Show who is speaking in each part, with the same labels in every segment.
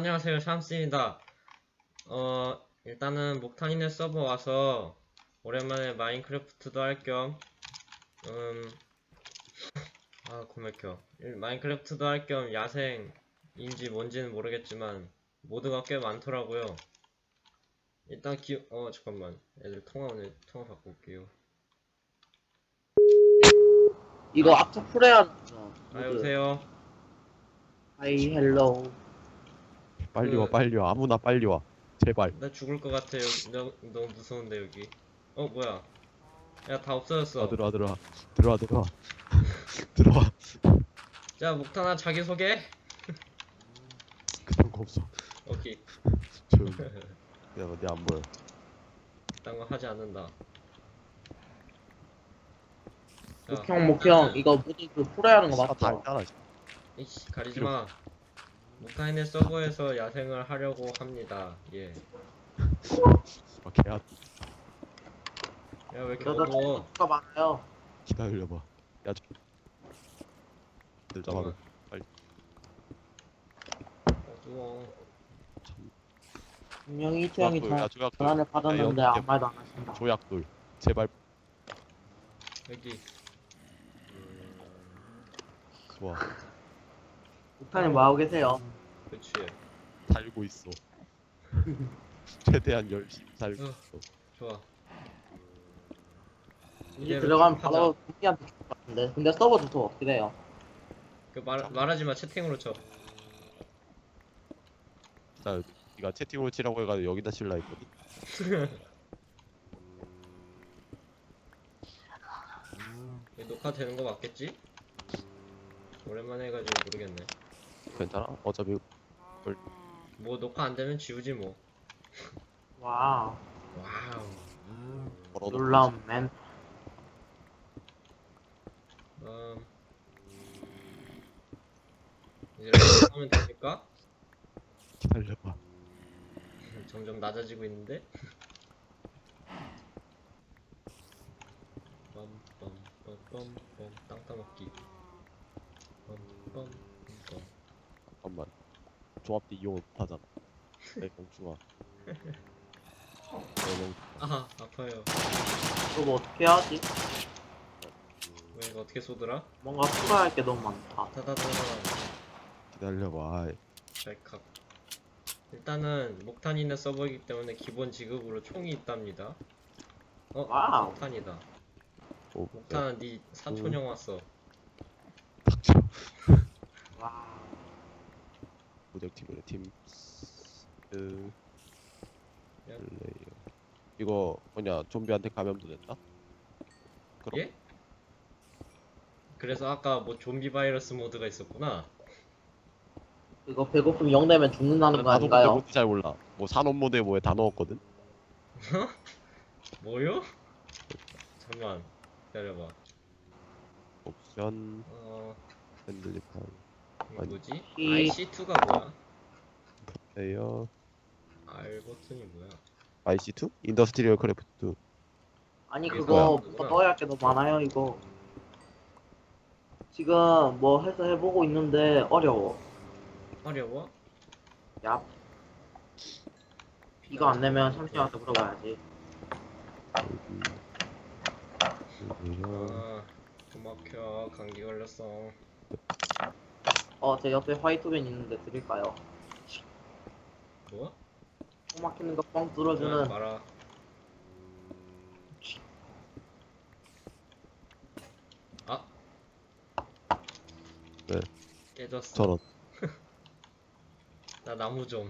Speaker 1: 안녕하세요, 샴스입니다. 일단은 목탄이네 서버 와서 오랜만에 마인크래프트도 할 겸, 고맥혀. 마인크래프트도 할 겸 야생인지 뭔지는 모르겠지만 모드가 꽤 많더라고요. 일단 잠깐만. 애들 통화 바꿔 올게요.
Speaker 2: 이거 악착 풀어야 모드.
Speaker 1: 여보세요?
Speaker 2: 하이 헬로우.
Speaker 3: 빨리 와, 빨리 와. 아무나 빨리 와. 제발.
Speaker 1: 나 죽을 것 같아. 너무 무서운데, 여기. 뭐야. 야, 다 없어졌어.
Speaker 3: 들어와, 들어와. 들어와, 들어와. 들어와.
Speaker 1: 자, 목탄아, 자기소개?
Speaker 3: 그런 거 없어.
Speaker 1: 오케이.
Speaker 3: 조용히. 야, 어디 안 보여.
Speaker 1: 딴 거 하지 않는다. 자,
Speaker 2: 목형 이거 모드 그 풀어야 하는 거
Speaker 3: 다
Speaker 2: 맞죠?
Speaker 3: 있잖아.
Speaker 1: 이씨, 가리지마. 목타인의 서버에서 야생을 하려고 합니다. 예.
Speaker 3: 아, 개야.
Speaker 1: 야, 왜 이렇게
Speaker 2: 그러다
Speaker 1: 어두워?
Speaker 2: 가 많아요.
Speaker 3: 기다려봐. 야, 들 잡아라.
Speaker 1: 어두워.
Speaker 2: 분명히 태형이
Speaker 3: 조약돌.
Speaker 2: 전화를 받았는데
Speaker 3: 야,
Speaker 2: 아무 말도 안 하신다.
Speaker 3: 조약돌. 제발.
Speaker 1: 여기.
Speaker 3: 좋아.
Speaker 2: 목탄이 뭐하고 계세요?
Speaker 1: 그치.
Speaker 3: 살고 있어. 최대한 열심히 살고
Speaker 1: 어.
Speaker 3: 있어.
Speaker 1: 좋아.
Speaker 2: 이제 들어가면 바로 동기한테 줄것 같은데. 근데 서버 주소 어떻게 돼요?
Speaker 1: 말하지마. 채팅으로 쳐.
Speaker 3: 나 네가 채팅으로 치라고 해가지고 여기다 칠라 했거든.
Speaker 1: 이거 녹화되는 거 맞겠지? 오랜만에 해가지고 모르겠네.
Speaker 3: 괜찮아? 어차피
Speaker 1: 뭐 녹화 안 되면 지우지 뭐.
Speaker 2: 와우.
Speaker 1: 와우.
Speaker 3: 걸어놓고
Speaker 2: 놀라운 맨.
Speaker 1: 이렇게 하면 됩니까?
Speaker 3: 기다려봐.
Speaker 1: 점점 낮아지고 있는데? 빰빰빰빰빰 땅 따먹기. 빰빰빰빰.
Speaker 3: 잠깐만. 조합도 이용을 못하잖아. 내 멍충아.
Speaker 1: 아하, 아파요.
Speaker 2: 이거 뭐 어떻게 해야지?
Speaker 1: 왜 이거 어떻게 쏘더라?
Speaker 2: 뭔가 풀어야 할 게 너무 많다.
Speaker 1: 다다다다.
Speaker 3: 기다려봐. 아이.
Speaker 1: 찰칵. 일단은 목탄이네 서버이기 때문에 기본 지급으로 총이 있답니다.
Speaker 2: 와우.
Speaker 1: 목탄이다.
Speaker 3: 오,
Speaker 1: 목탄은 네 사촌형 왔어.
Speaker 3: 닥쳐.
Speaker 2: 와우.
Speaker 3: 프로젝트의 팀.
Speaker 1: 야.
Speaker 3: 플레이어. 이거 뭐냐? 좀비한테 감염도 된다? 그럼.
Speaker 1: 예? 그래서 아까 뭐 좀비 바이러스 모드가 있었구나.
Speaker 2: 이거 배고픔 0 되면 죽는다는 거
Speaker 3: 나도 근데
Speaker 2: 아닌가요?
Speaker 3: 뭔지 잘 몰라. 뭐 산업 모드에 뭐에 다 넣었거든.
Speaker 1: 뭐요? 잠만 기다려봐.
Speaker 3: 옵션 핸들리판
Speaker 1: 이거
Speaker 3: 아니.
Speaker 1: 뭐지?
Speaker 2: 이-
Speaker 1: IC2가 뭐야?
Speaker 3: 플레이어
Speaker 1: R 버튼이 뭐야?
Speaker 3: IC2? 인더스트리얼 크래프트.
Speaker 2: 아니
Speaker 1: 이게
Speaker 2: 그거
Speaker 1: 뭐야?
Speaker 2: 뭐 넣어야 할 게 너무 많아요 이거. 지금 뭐 해서 해보고 있는데 어려워.
Speaker 1: 어려워?
Speaker 2: 야. 이거 안 내면 삼촌한테 물어봐야지.
Speaker 3: 플레이어
Speaker 1: 고막혀. 감기 걸렸어.
Speaker 2: 제 옆에 화이트벤 있는데 드릴까요?
Speaker 1: 뭐?
Speaker 2: 코 막히는 거 뻥 뚫어주는.
Speaker 1: 말아. 아.
Speaker 3: 네.
Speaker 1: 깨졌어.
Speaker 3: 저런.
Speaker 1: 나 나무 좀.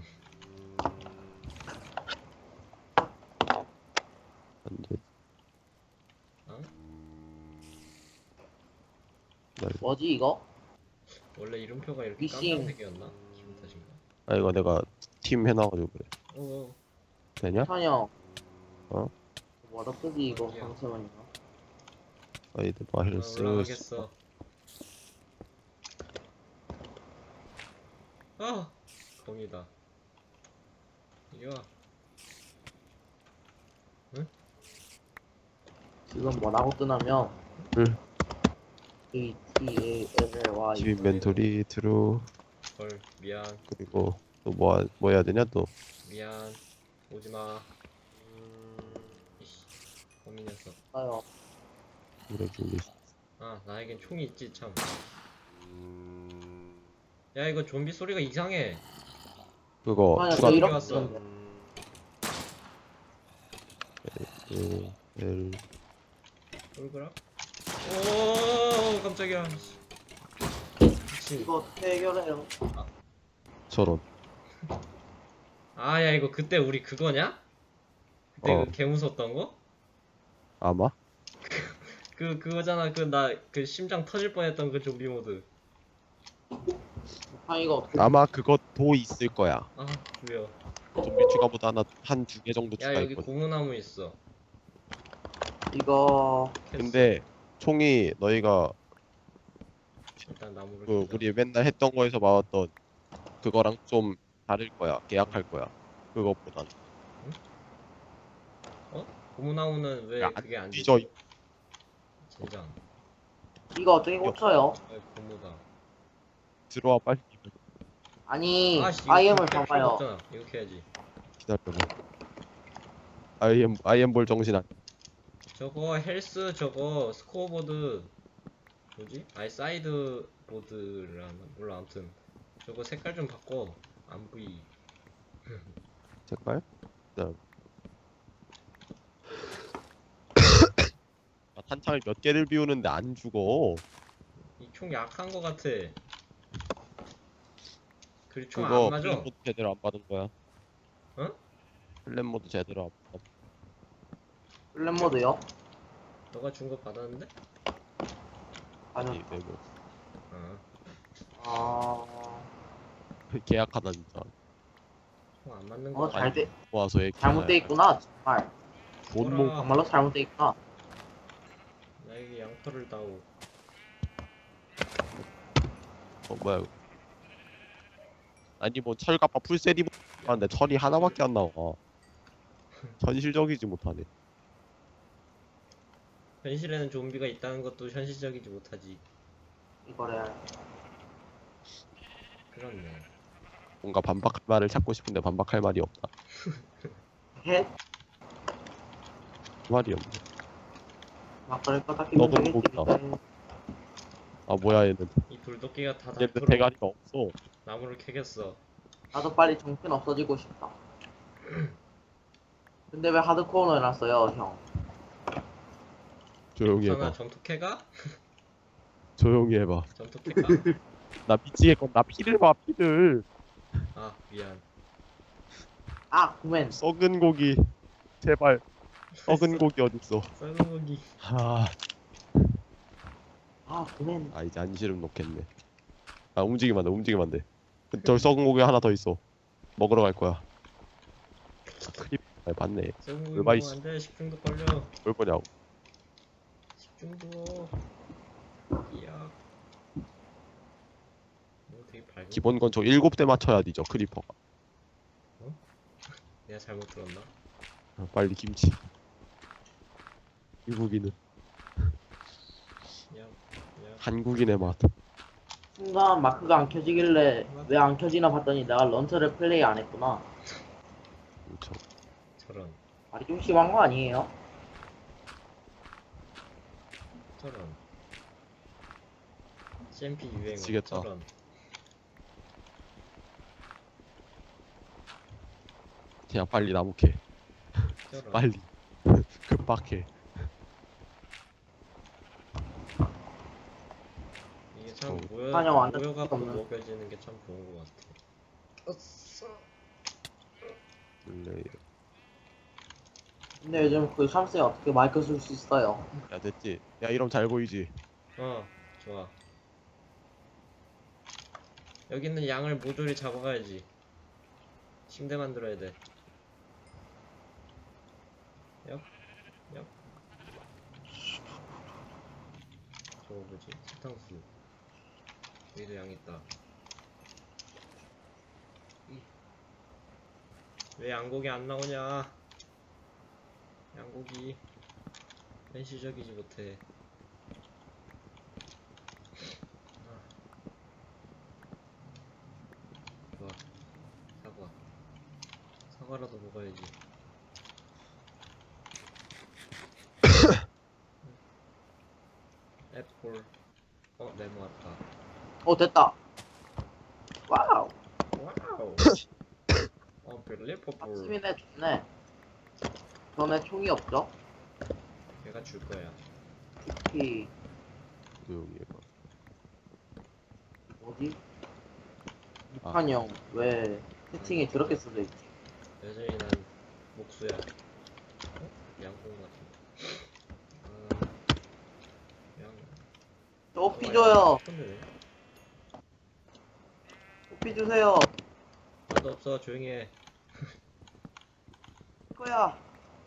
Speaker 3: 안돼.
Speaker 1: 어?
Speaker 2: 뭐지 이거?
Speaker 1: 원래 이름표가 이렇게
Speaker 2: 미싱.
Speaker 1: 깜깜색이었나? 기분 탓인가?
Speaker 3: 아 이거 내가 팀 해놔가지고 그래.
Speaker 1: 오.
Speaker 3: 되냐?
Speaker 2: 찬영.
Speaker 3: 어?
Speaker 2: 뭐라 쓰지 이거
Speaker 1: 어디야?
Speaker 2: 방sem은이가?
Speaker 3: 아이들 마힐스.
Speaker 1: 올라가겠어. 공이다. 이리 와.
Speaker 2: 지금 뭐라고 뜨냐면
Speaker 3: 응.
Speaker 2: ATALLY
Speaker 3: 팀 인벤토리 트루
Speaker 1: 헐, 미안.
Speaker 3: 그리고 또 뭐 해야 되냐 또.
Speaker 1: 미안. 오지마. 이씨. 거미 녀석.
Speaker 2: 있어요.
Speaker 3: 그래 준비.
Speaker 1: 아, 나에겐 총이 있지, 참.
Speaker 3: 음...
Speaker 1: 야, 이거 좀비 소리가 이상해.
Speaker 3: 그거
Speaker 2: 아니야,
Speaker 3: 추가
Speaker 2: 저
Speaker 1: 이렇게
Speaker 2: 이렇게
Speaker 1: 왔어.
Speaker 2: 쓰는데.
Speaker 3: L
Speaker 1: 돌그라? 오, 깜짝이야. 미친.
Speaker 2: 이거 어떻게 해결해요?
Speaker 3: 저런.
Speaker 1: 아, 야, 이거 그때 우리 그거냐? 그때
Speaker 3: 어.
Speaker 1: 그 개 무섭던 거?
Speaker 3: 아마?
Speaker 1: 그거잖아. 그 심장 터질 뻔했던 그 좀비 모드.
Speaker 2: 아, 이거 어떻게.
Speaker 3: 아마 그것도 있을 거야.
Speaker 1: 아, 뭐야.
Speaker 3: 좀비 추가보다 한 두 개 정도
Speaker 1: 야, 여기
Speaker 3: 추가했거든.
Speaker 1: 고무나무 있어.
Speaker 2: 이거.
Speaker 1: 캐스.
Speaker 3: 근데 총이 너희가
Speaker 1: 일단 나무를
Speaker 3: 그
Speaker 1: 캐자.
Speaker 3: 우리 맨날 했던 거에서 나왔던 그거랑 좀 다를 거야. 계약할 거야. 그것보단.
Speaker 1: 고무나무는 왜
Speaker 3: 야, 안
Speaker 1: 그게 안
Speaker 3: 뒤져.
Speaker 1: 되지? 젠장.
Speaker 2: 이거 어떻게 고쳐요?
Speaker 1: 아, 고무다.
Speaker 3: 들어와 빨리.
Speaker 2: 아니,
Speaker 1: 아씨, 이거
Speaker 2: IM을
Speaker 1: 캘 필요가
Speaker 2: 봐봐요.
Speaker 1: 없잖아. 이렇게 해야지.
Speaker 3: 기다려봐. IM 볼 정신 안.
Speaker 1: 저거 헬스 저거 스코어보드 뭐지? 아니 사이드 보드라나 몰라. 아무튼 저거 색깔 좀 바꿔. 안 보이.
Speaker 3: 색깔? 그다음. 아, 탄창을 몇 개를 비우는데 안 죽어.
Speaker 1: 이 총 약한 거 같아. 그리고 총
Speaker 3: 그거
Speaker 1: 안 맞아.
Speaker 3: 플랫 모드 제대로 안 받은 거야.
Speaker 1: 어?
Speaker 3: 플랫 모드 제대로 안 받.
Speaker 2: 플랫 모드요?
Speaker 1: 너가 준 거 받았는데?
Speaker 2: 아니,
Speaker 3: 메모.
Speaker 1: 아,
Speaker 3: 계약하다 진짜.
Speaker 1: 총 안 맞는 거 같아.
Speaker 3: 모아서 얘
Speaker 2: 잘못돼 있구나, 정말.
Speaker 3: 돈몽
Speaker 1: 아.
Speaker 2: 정말로 잘못돼 있구나.
Speaker 1: 나에게 양털을 다오.
Speaker 3: 뭐야 이거. 아니 뭐 철갑바 풀세리 하는데 철이 하나밖에 안 나와. 현실적이지 못하네.
Speaker 1: 현실에는 좀비가 있다는 것도 현실적이지 못하지.
Speaker 2: 이거래.
Speaker 1: 그렇네.
Speaker 3: 뭔가 반박할 말을 찾고 싶은데 반박할 말이 없다.
Speaker 2: 해?
Speaker 3: 그 말이 없네.
Speaker 2: 막 그럴 거 딱히
Speaker 3: 너도
Speaker 2: 되겠지.
Speaker 3: 먹다. 아 뭐야 얘는.
Speaker 1: 이 돌도끼가 다
Speaker 3: 얘는
Speaker 1: 닳도록
Speaker 3: 대가리가 없어.
Speaker 1: 나무를 캐겠어.
Speaker 2: 나도 빨리 정신 없어지고 싶다. 근데 왜 하드코어로 해놨어요, 형?
Speaker 3: 조용히
Speaker 1: 괜찮아,
Speaker 3: 해봐.
Speaker 1: 점토캐가?
Speaker 3: 조용히 해봐.
Speaker 1: 점토캐가?
Speaker 3: 나 미치겠건 나 피를 봐 피를.
Speaker 1: 아, 미안.
Speaker 2: 아, 구맨.
Speaker 3: 썩은 고기. 제발. 썩은 고기 어딨어.
Speaker 1: 썩은 고기.
Speaker 2: 아, 구맨.
Speaker 3: 아 이제 안시름 놓겠네. 아 움직이면 안 돼. 움직이면 안 돼. 저 썩은 고기 하나 더 있어. 먹으러 갈 거야. 크립. 아 봤네.
Speaker 1: 썩은 고기
Speaker 3: 얼마
Speaker 1: 먹으면 안 돼. 식중독 걸려.
Speaker 3: 뭘 거냐고.
Speaker 1: 식중독. 이야. 이거 되게 밝은.
Speaker 3: 기본 건조 7대 맞춰야 되죠 크리퍼가.
Speaker 1: 내가 잘못 들었나?
Speaker 3: 아, 빨리 김치. 미국인은
Speaker 1: 야, 야.
Speaker 3: 한국인의 맛.
Speaker 2: 순간 마크가 안 켜지길래 왜 안 켜지나 봤더니 내가 런처를 플레이 안 했구나.
Speaker 3: 그렇죠.
Speaker 1: 저런.
Speaker 2: 말이 좀 심한 거 아니에요?
Speaker 1: 저런. CMP 유행어.
Speaker 3: 미치겠다.
Speaker 1: 저런.
Speaker 3: 그냥 빨리 나무 캐.
Speaker 1: 저런.
Speaker 3: 빨리. 급박해.
Speaker 1: 이게 참
Speaker 2: 아니야, 완전
Speaker 1: 모여갖고
Speaker 2: 없는.
Speaker 1: 먹여지는 게 참 좋은 것 같아. 어싸.
Speaker 3: 원래
Speaker 2: 근데 요즘 그 샴스에 어떻게 마이크 쓸 수 있어요?
Speaker 3: 야 됐지. 야 이러면 잘 보이지.
Speaker 1: 좋아. 여기 있는 양을 모조리 잡아가야지. 침대 만들어야 돼. 얍. 저거 뭐지? 사탕수. 여기도 양 있다. 왜 양고기 안 나오냐? 양고기 현실적이지 못해. 좋아. 사과라도 먹어야지. 애플. 네모 왔다.
Speaker 2: 됐다. 와우.
Speaker 1: 와우. 벨리퍼플.
Speaker 2: 박수민네 좋네. 전에 총이 없죠?
Speaker 1: 걔가 줄 거야.
Speaker 2: 특히
Speaker 3: 조용히 해봐.
Speaker 2: 뭐지?
Speaker 3: 아.
Speaker 2: 북한 형왜 채팅이 저렇게 써져 있지?
Speaker 1: 여전히 난 목수야. 양콩 같은. 양.
Speaker 2: 쪼삐 줘요.
Speaker 1: 손드네.
Speaker 2: 쪼삐 주세요.
Speaker 1: 나도 없어. 조용히 해.
Speaker 2: 거야.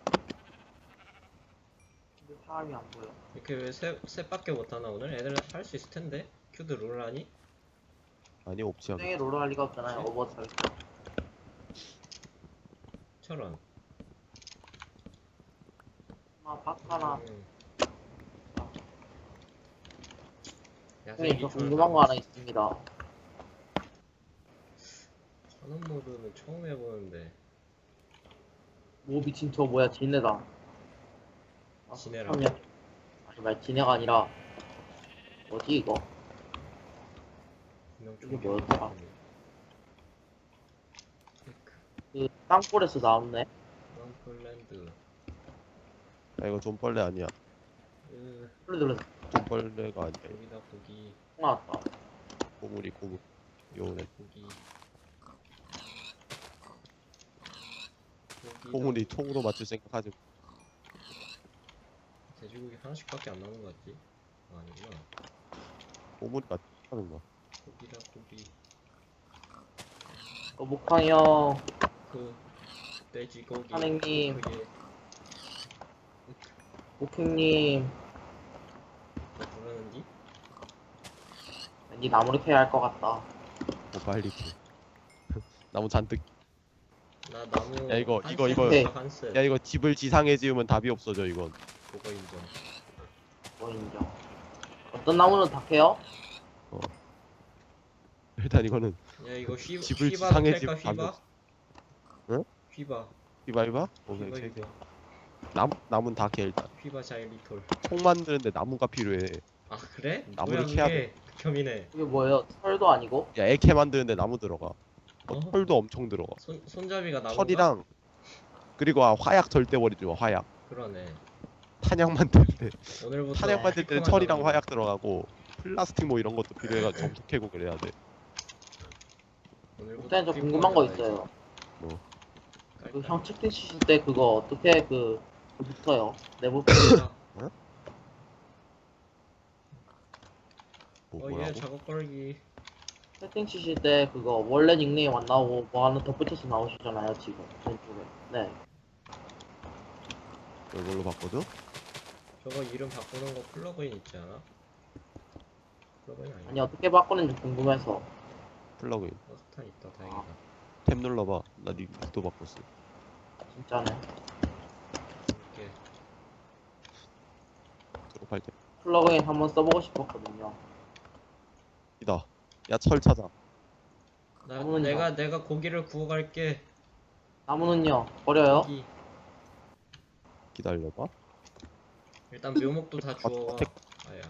Speaker 2: 근데 사람이 안 보여.
Speaker 1: 이렇게 왜 셋밖에 못하나 오늘? 애들 할 수 있을 텐데. 큐드 롤 하니?
Speaker 3: 아니 없지 않아.
Speaker 2: 생에 롤을 할 리가 없잖아요. 오버워치 할 때.
Speaker 1: 철원.
Speaker 2: 박하나.
Speaker 1: 야생
Speaker 2: 형님 저 궁금한 거 하나 있습니다.
Speaker 1: 산업 모드는 처음 해보는데.
Speaker 2: 오 미친 저 뭐야 진해다.
Speaker 1: 진해라.
Speaker 2: 아니 말 진해가 아니라 뭐지 이거?
Speaker 1: 분명
Speaker 2: 이게
Speaker 1: 좀
Speaker 2: 뭐였더라? 그 땅굴에서 나왔네.
Speaker 1: 럼플랜드.
Speaker 3: 이거 좀벌레 아니야.
Speaker 2: 소리 들렸어.
Speaker 3: 좀벌레가 아니야.
Speaker 1: 여기다 고기.
Speaker 2: 나왔다.
Speaker 3: 고물이 고물. 요네.
Speaker 1: 고기.
Speaker 3: 고물이 총으로 맞출 생각하지.
Speaker 1: 돼지고기 하나씩밖에 안 남은 것 같지? 아니구나.
Speaker 3: 고물이 맞추는 거.
Speaker 1: 고기다 고기.
Speaker 2: 목항이 형,
Speaker 1: 그 돼지고기.
Speaker 2: 선생님.
Speaker 1: 그게
Speaker 2: 목행님,
Speaker 1: 뭐 부르는지?
Speaker 2: 왠지 나무를 캐야 할 것 같다.
Speaker 3: 빨리 캐. 나무 잔뜩.
Speaker 1: 나 나무.
Speaker 3: 야, 이거,
Speaker 1: 한
Speaker 3: 이거,
Speaker 1: 셋,
Speaker 3: 이거.
Speaker 1: 한 셋.
Speaker 3: 야 이거 집을 지상에 지으면 답이 없어져 이건.
Speaker 1: 그거 인정.
Speaker 2: 뭐 인정. 어떤 나무는 다 캐요?
Speaker 3: 일단 이거는
Speaker 1: 야 이거
Speaker 3: 집을
Speaker 1: 휘바도
Speaker 3: 지상에
Speaker 1: 캘까,
Speaker 3: 지으면 답이
Speaker 1: 휘바?
Speaker 3: 없어. 응?
Speaker 1: 휘바.
Speaker 3: 이봐. 오케이
Speaker 1: 휘바
Speaker 3: 오케이.
Speaker 1: 휘바.
Speaker 3: 나무는 다 캐 일단.
Speaker 1: 휘바 자일리톨.
Speaker 3: 총 만드는데 나무가 필요해.
Speaker 1: 아 그래?
Speaker 3: 나무를
Speaker 1: 뭐야,
Speaker 3: 캐야
Speaker 1: 그게 극혐이네.
Speaker 2: 그게 뭐예요? 철도 아니고?
Speaker 3: 야 애캐 만드는데 나무 들어가.
Speaker 1: 어?
Speaker 3: 털도 엄청 들어가.
Speaker 1: 손잡이가 나무가?
Speaker 3: 철이랑 그리고 화약 절대 버리지 마. 화약.
Speaker 1: 그러네.
Speaker 3: 탄약 만들 때
Speaker 1: 오늘부터
Speaker 3: 탄약 만들 때는
Speaker 1: 피커만
Speaker 3: 철이랑
Speaker 1: 나오는
Speaker 3: 화약 들어가고 플라스틱 뭐 이런 것도 필요해가 점토 캐고 그래야 돼.
Speaker 1: 오늘부터
Speaker 2: 일단 저
Speaker 1: 피커만
Speaker 2: 궁금한 거
Speaker 1: 나와야지.
Speaker 2: 있어요.
Speaker 3: 뭐
Speaker 2: 그 형 채팅 치실 때 그거 어떻게 붙어요? 내부
Speaker 1: 깔깔.
Speaker 3: 뭐
Speaker 1: 얘
Speaker 3: 뭐라고?
Speaker 1: 작업 걸기.
Speaker 2: 채팅 치실 때 그거 원래 닉네임 안 나오고 뭐 하나 덧붙여서 나오시잖아요 지금 왼쪽에. 네.
Speaker 3: 이걸로 바꿔줘?
Speaker 1: 저거 이름 바꾸는 거 플러그인 있지 않아? 플러그인 아니야?
Speaker 2: 아니 어떻게 바꾸는지 궁금해서.
Speaker 3: 플러그인.
Speaker 1: 스탄 있다. 다행이다.
Speaker 3: 탭 눌러봐. 나 닉도 바꿨어.
Speaker 2: 진짜네.
Speaker 1: 이렇게
Speaker 3: 졸업할 때.
Speaker 2: 플러그인 한번 써보고 싶었거든요.
Speaker 3: 이다. 야 철 찾아.
Speaker 2: 나무는요?
Speaker 1: 내가 고기를 구워갈게.
Speaker 2: 나무는요? 버려요?
Speaker 1: 고기.
Speaker 3: 기다려봐.
Speaker 1: 일단 묘목도 다 주워와. 아야.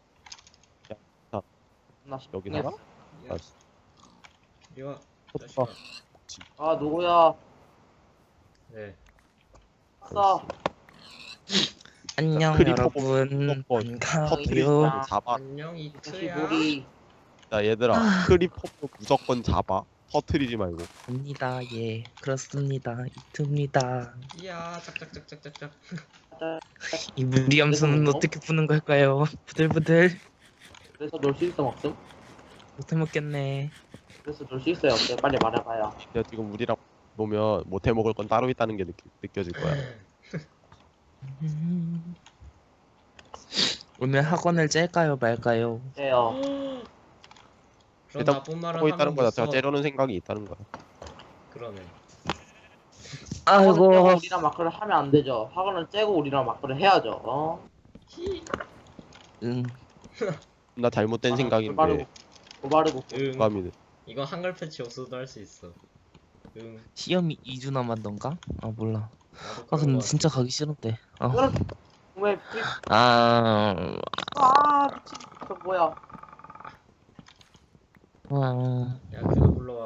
Speaker 2: 나
Speaker 3: 여기
Speaker 2: 싶긴
Speaker 3: 나가?
Speaker 2: 했어.
Speaker 1: 야,
Speaker 3: 알았어.
Speaker 1: 이리 와.
Speaker 3: 헛바.
Speaker 1: 자식아.
Speaker 2: 아 누구야?
Speaker 1: 네.
Speaker 2: 싸.
Speaker 4: 안녕
Speaker 3: 크리퍼
Speaker 4: 여러분
Speaker 3: 무조건 터트리지
Speaker 4: 반가워요.
Speaker 3: 말고 잡아.
Speaker 1: 안녕
Speaker 2: 다시
Speaker 1: 이트야.
Speaker 2: 우리
Speaker 3: 야 얘들아 크리퍼도 무조건 잡아. 터트리지 말고.
Speaker 4: 갑니다. 예 그렇습니다. 이트입니다.
Speaker 1: 이야 짝짝짝짝짝짝.
Speaker 4: 이 무리함수는
Speaker 2: 그래서
Speaker 4: 어떻게 푸는 걸까요? 부들부들
Speaker 2: 그래서 놀 수 있어 없음?
Speaker 4: 못해 먹겠네.
Speaker 2: 그래서 놀 수 있어요 없어요? 빨리 말해봐요.
Speaker 3: 야 지금 우리랑 보면 못해 먹을 건 따로 있다는 게 느껴질 거야.
Speaker 4: 오늘 학원을 짤까요 말까요?
Speaker 2: 해요.
Speaker 1: 그런
Speaker 3: 일단
Speaker 1: 나쁜 말은
Speaker 3: 하고 있다는
Speaker 1: 하면
Speaker 3: 거야.
Speaker 1: 못
Speaker 3: 제가
Speaker 1: 써.
Speaker 3: 째려는 생각이 있다는 거야.
Speaker 1: 그러네.
Speaker 2: 학원을 째고
Speaker 4: 아이고
Speaker 2: 우리랑 마크를 하면 안 되죠. 학원을 째고 우리랑 마크를 해야죠. 어?
Speaker 1: 히.
Speaker 3: 나 잘못된
Speaker 2: 아,
Speaker 3: 생각인데.
Speaker 2: 고바르고
Speaker 1: 응.
Speaker 3: 감이
Speaker 1: 이거 한글 패치 없어도 할 수 있어. 응.
Speaker 4: 시험이 2주 남았던가? 아 몰라.
Speaker 1: 나도
Speaker 4: 아
Speaker 1: 그런
Speaker 4: 근데
Speaker 1: 거
Speaker 4: 진짜
Speaker 1: 같아.
Speaker 4: 가기 싫은데.
Speaker 2: 그럼 왜 프리
Speaker 4: 아,
Speaker 2: 미친 저 뭐야
Speaker 4: 아,
Speaker 1: 야 그거 불러와.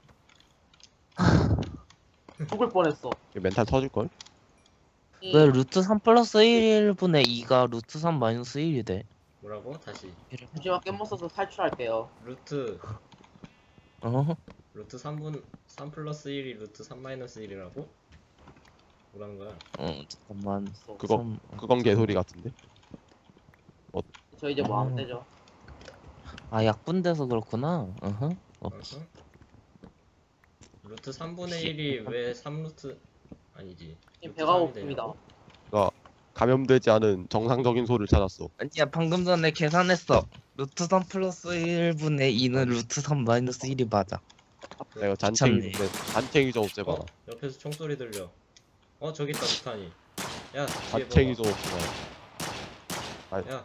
Speaker 2: 죽을 뻔했어.
Speaker 3: 이거 멘탈 터질걸?
Speaker 4: 왜 루트 3 플러스 1분의 2가 루트 3 마이너스 1이 돼?
Speaker 1: 뭐라고? 다시.
Speaker 2: 잠시만 깻못 써서 탈출할게요.
Speaker 1: 루트
Speaker 4: 어?
Speaker 1: 루트 3 플러스 1이 루트 3 마이너스 1이라고? 뭐라는 거야?
Speaker 4: 잠깐만.
Speaker 3: 그거-
Speaker 4: 삼-
Speaker 3: 그건 개소리 같은데.
Speaker 2: 저 이제 뭐 하면 되죠?
Speaker 4: 아 약분돼서 그렇구나. 어허.
Speaker 1: 어허. 루트 3분의 1이 왜 3루트 아니지?
Speaker 2: 지금
Speaker 1: 루트
Speaker 2: 배가
Speaker 1: 3이
Speaker 2: 고픕니다.
Speaker 1: 되냐고?
Speaker 3: 감염되지 않은 정상적인 소를 찾았어.
Speaker 4: 아니야 방금 전에 계산했어. 루트 3 플러스 1분의 2는 루트 3 마이너스 1이 맞아.
Speaker 3: 내가
Speaker 4: 귀찮네.
Speaker 3: 잔챙이 좀 없애봐라.
Speaker 1: 어? 옆에서 총소리 들려. 어 저기 있다 루탄이. 야 뒤에
Speaker 3: 잔챙이
Speaker 1: 봐봐.
Speaker 3: 좀 없애봐라.
Speaker 1: 야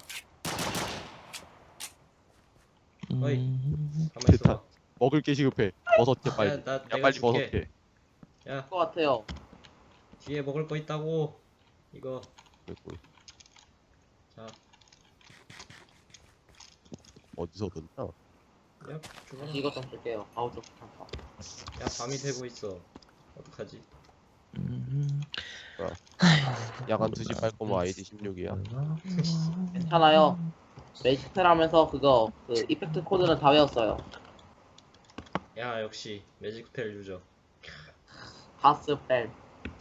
Speaker 1: 어이. 가만
Speaker 3: 됐다.
Speaker 1: 있어봐.
Speaker 3: 먹을 게 시급해. 버섯 개 빨리.
Speaker 1: 야, 나
Speaker 3: 야
Speaker 1: 내가
Speaker 3: 빨리
Speaker 1: 줄게.
Speaker 3: 버섯 개.
Speaker 1: 야
Speaker 2: 것 같아요.
Speaker 1: 뒤에 먹을 거 있다고. 이거
Speaker 3: 그리고
Speaker 1: 자.
Speaker 3: 어디서 듣나?
Speaker 1: 야 죽어라.
Speaker 2: 다시 이것 좀 쓸게요. 아우 좀 괜찮다.
Speaker 1: 야 밤이 되고 있어. 어떡하지?
Speaker 3: 야간 2시 빨 거면 아이디 16이야.
Speaker 2: 괜찮아요. 매직스펠 하면서 그거 그 이펙트 코드는 다 외웠어요.
Speaker 1: 야 역시 매직스펠 유저.
Speaker 2: 바스펠.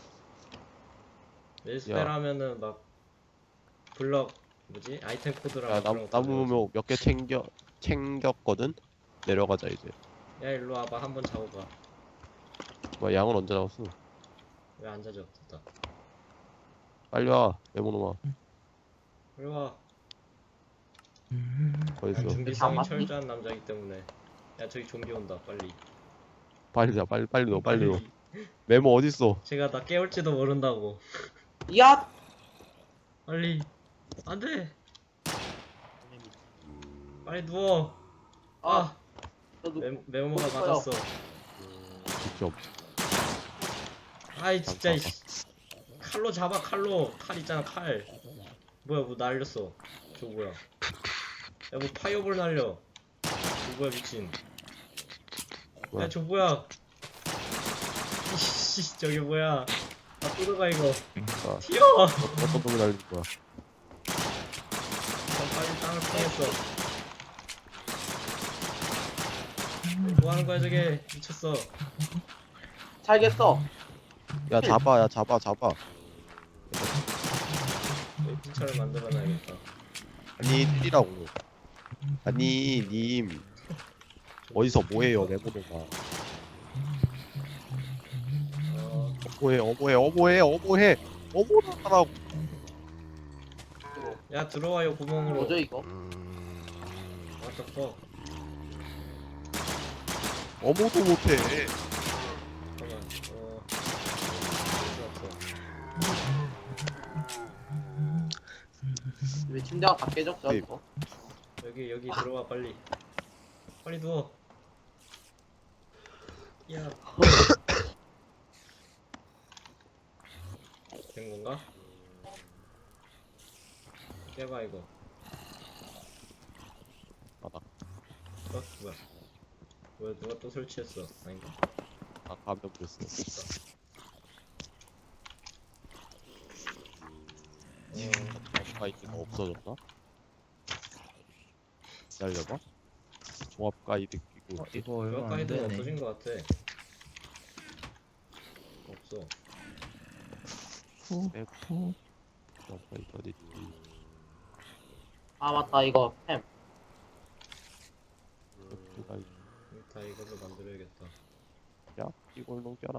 Speaker 1: 매직스펠
Speaker 3: 야.
Speaker 1: 하면은 막 블럭 뭐지? 아이템 코드랑
Speaker 3: 야
Speaker 1: 그런 거
Speaker 3: 나무묘 몇 개 챙겼거든. 내려가자 이제.
Speaker 1: 야 일로 와봐 한번 잡아봐.
Speaker 3: 뭐 양은 언제 나왔어?
Speaker 1: 왜 안 잡아? 됐다.
Speaker 3: 빨리 와 네모놈아.
Speaker 1: 일로 와.
Speaker 3: 어디
Speaker 1: 난
Speaker 3: 있어?
Speaker 1: 준비성이
Speaker 2: 맞니?
Speaker 1: 철저한 남자이기 때문에. 야 저기 좀비 온다 빨리.
Speaker 3: 빨리 와 빨리 넣어 빨리 넣어. 메모 어디 있어?
Speaker 1: 제가 나 깨울지도 모른다고.
Speaker 2: 야!
Speaker 1: 빨리. 안돼. 빨리 누워. 아
Speaker 2: 저도
Speaker 1: 메모가
Speaker 2: 있어요.
Speaker 1: 맞았어.
Speaker 3: 직접.
Speaker 1: 아이 진짜 이씨. 칼로 잡아 칼로. 칼 있잖아 칼. 뭐야 뭐 날렸어. 저거 뭐야? 야 뭐 파이어볼 날려. 저거 뭐야 미친.
Speaker 3: 뭐야?
Speaker 1: 야 저거 뭐야? 이씨 저게 뭐야? 아 뜯어가 이거.
Speaker 3: 아,
Speaker 1: 튀어.
Speaker 3: 어떤 놈이 날릴 거야?
Speaker 1: 난 빨리 땅을 파겠어. 뭐 하는 거야 저게? 미쳤어.
Speaker 2: 살겠어.
Speaker 3: 야 잡아 잡아.
Speaker 1: 여기 피처를 만들어놔야겠다.
Speaker 3: 아니 뛰라고. 아니 님 어디서 뭐해요 네모놈아. 어머해 어머나라고.
Speaker 1: 야 들어와요 구멍으로.
Speaker 2: 뭐죠 이거?
Speaker 1: What the fuck?
Speaker 3: 어머도 못해.
Speaker 1: 잠깐만.
Speaker 2: 왜 침대가 다 깨졌죠
Speaker 3: 네.
Speaker 2: 이거?
Speaker 1: 여기 들어와 빨리. 빨리 누워. 야. 된 건가? 깨봐 이거.
Speaker 3: 맞아.
Speaker 1: 뭐야 누가 또 설치했어? 아닌가?
Speaker 3: 아 감염됐어. 가이드가 없어졌나? 기다려봐. 종합 가이드 끼고 있지.
Speaker 4: 이거 얼마
Speaker 1: 그거
Speaker 4: 안
Speaker 1: 가이드
Speaker 4: 되네.
Speaker 1: 없어진 것 같아. 없어.
Speaker 3: 종합 가이드 어디 있지?
Speaker 2: 아 맞다 이거 햄.
Speaker 3: 가이드.
Speaker 1: 다 이걸로 만들어야겠다.
Speaker 3: 야 이걸 넘겨라.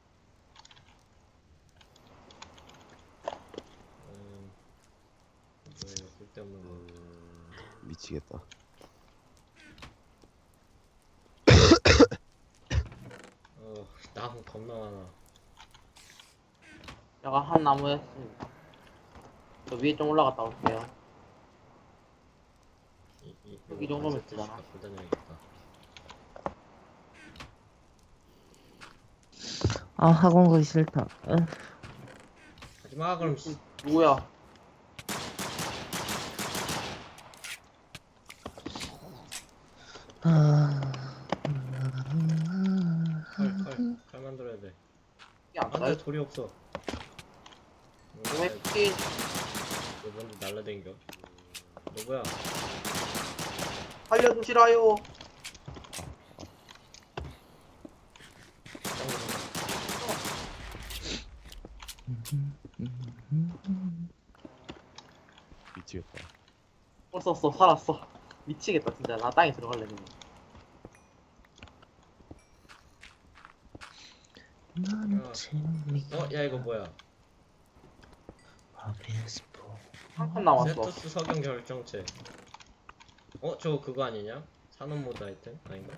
Speaker 1: 뭐예요? 쓸데없는 거.
Speaker 3: 미치겠다.
Speaker 1: 나무 겁나 많아.
Speaker 2: 제가 한 나무 했습니다. 저 위에 좀 올라갔다 올게요. 여기 정도면
Speaker 1: 세트씩
Speaker 2: 되잖아.
Speaker 1: 갖고 다녀야겠다.
Speaker 4: 아 학원 가기 싫다.
Speaker 1: 하지마 그럼
Speaker 2: 누구야?
Speaker 1: 칼 만들어야 돼.
Speaker 2: 이게 안
Speaker 1: 안돼
Speaker 2: 나요?
Speaker 1: 돌이 없어.
Speaker 2: 왜 이렇게
Speaker 1: 너 먼저 날라댕겨. 너 뭐야?
Speaker 2: 살려주시라요.
Speaker 3: 미치겠다.
Speaker 2: 썼어 살았어. 미치겠다 진짜. 나 땅에 들어갈래 그냥.
Speaker 1: 야 이거 뭐야?
Speaker 2: 한 칸 남았어.
Speaker 1: 세투스 석영 결정체. 저거 그거 아니냐? 산업 모드 아이템 아닌가?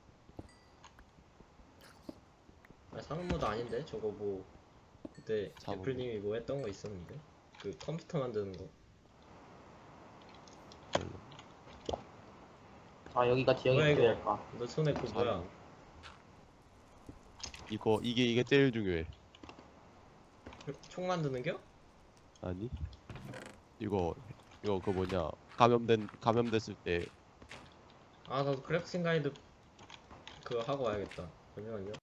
Speaker 1: 아 산업 모드 아닌데? 저거 뭐 그때
Speaker 3: 산업
Speaker 1: 애플님이 뭐 했던 거 있었는데? 그 컴퓨터 만드는 거.
Speaker 2: 자 여기가 지형이
Speaker 1: 뭐야,
Speaker 2: 어떻게
Speaker 1: 이거?
Speaker 2: 될까?
Speaker 1: 너 손에 그 뭐야?
Speaker 3: 이게 제일 중요해.
Speaker 1: 총 만드는겨?
Speaker 3: 아니? 이거 그 뭐냐 감염됐을 때
Speaker 1: 아 나도 크래프팅 가이드 그거 하고 와야겠다. 잠시만요.